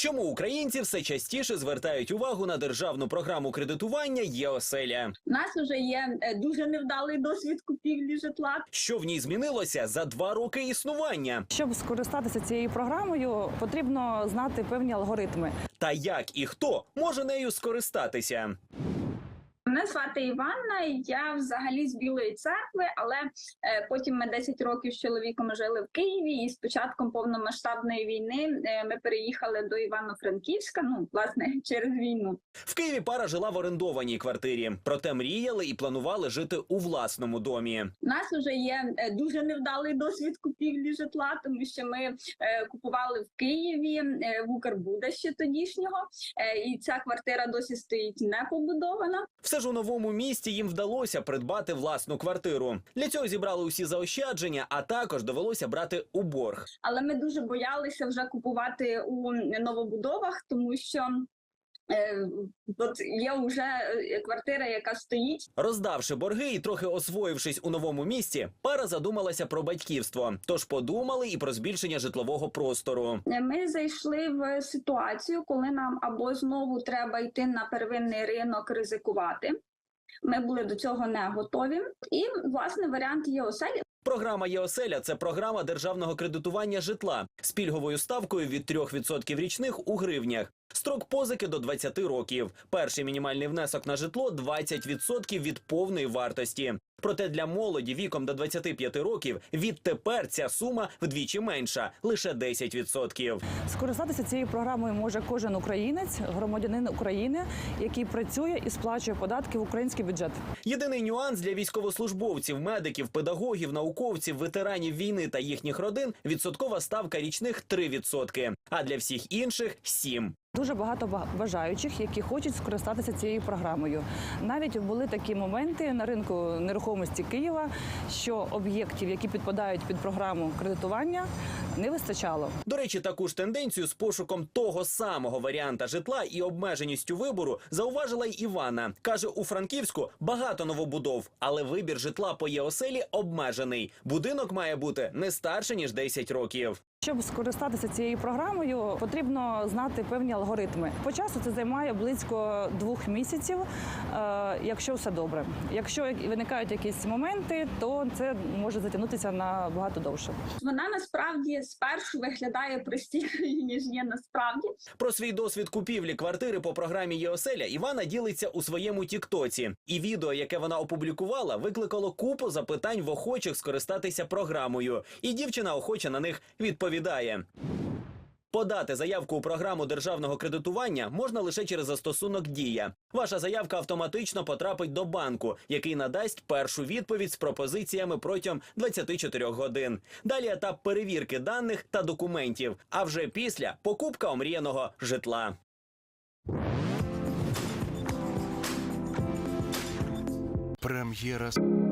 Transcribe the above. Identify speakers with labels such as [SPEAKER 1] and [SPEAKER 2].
[SPEAKER 1] Чому українці все частіше звертають увагу на державну програму кредитування «Є-оселя»?
[SPEAKER 2] У нас вже є дуже невдалий досвід купівлі житла.
[SPEAKER 1] Що в ній змінилося за 2 роки існування?
[SPEAKER 3] Щоб скористатися цією програмою, потрібно знати певні алгоритми.
[SPEAKER 1] Та як і хто може нею скористатися?
[SPEAKER 2] Мене звати Іванна, я взагалі з Білої Церкви, але потім ми 10 років з чоловіком жили в Києві, і з початком повномасштабної війни ми переїхали до Івано-Франківська, власне, через війну.
[SPEAKER 1] В Києві пара жила в орендованій квартирі, проте мріяли і планували жити у власному домі.
[SPEAKER 2] У нас вже є дуже невдалий досвід купівлі житла, тому що ми купували в Києві, в Укрбуда ще тодішнього, і ця квартира досі стоїть не побудована.
[SPEAKER 1] Все ж у новому місті їм вдалося придбати власну квартиру. Для цього зібрали усі заощадження, а також довелося брати у борг.
[SPEAKER 2] Але ми дуже боялися вже купувати у новобудовах, тому що от є вже квартира, яка стоїть.
[SPEAKER 1] Роздавши борги і трохи освоївшись у новому місті, пара задумалася про батьківство. Тож подумали і про збільшення житлового простору.
[SPEAKER 2] Ми зайшли в ситуацію, коли нам або знову треба йти на первинний ринок ризикувати. Ми були до цього не готові. І, власне, варіант «Є-оселя».
[SPEAKER 1] Програма «Є-оселя» – це програма державного кредитування житла з пільговою ставкою від 3% річних у гривнях. Строк позики до 20 років. Перший мінімальний внесок на житло – 20% від повної вартості. Проте для молоді віком до 25 років відтепер ця сума вдвічі менша – лише 10%.
[SPEAKER 3] Скористатися цією програмою може кожен українець, громадянин України, який працює і сплачує податки в український бюджет.
[SPEAKER 1] Єдиний нюанс для військовослужбовців, медиків, педагогів, науковців, ветеранів війни та їхніх родин – відсоткова ставка річних 3%, а для всіх інших – 7%.
[SPEAKER 3] Дуже багато бажаючих, які хочуть скористатися цією програмою. Навіть були такі моменти на ринку нерухомості Києва, що об'єктів, які підпадають під програму кредитування, не вистачало.
[SPEAKER 1] До речі, таку ж тенденцію з пошуком того самого варіанта житла і обмеженістю вибору зауважила й Івана. Каже, у Франківську багато новобудов, але вибір житла по «Є-оселі» обмежений. Будинок має бути не старше, ніж 10 років.
[SPEAKER 3] Щоб скористатися цією програмою, потрібно знати певні алгоритми. По часу це займає близько 2 місяців, якщо все добре. Якщо виникають якісь моменти, то це може затягнутися набагато довше.
[SPEAKER 2] Вона насправді спершу виглядає простішою, ніж є насправді.
[SPEAKER 1] Про свій досвід купівлі квартири по програмі «Є-оселя» Івана ділиться у своєму тіктоці. І відео, яке вона опублікувала, викликало купу запитань в охочих скористатися програмою. І дівчина охоче на них відповідає. Подати заявку у програму державного кредитування можна лише через застосунок «Дія». Ваша заявка автоматично потрапить до банку, який надасть першу відповідь з пропозиціями протягом 24 годин. Далі етап перевірки даних та документів, а вже після – покупка омріяного житла.
[SPEAKER 4] Прем'єра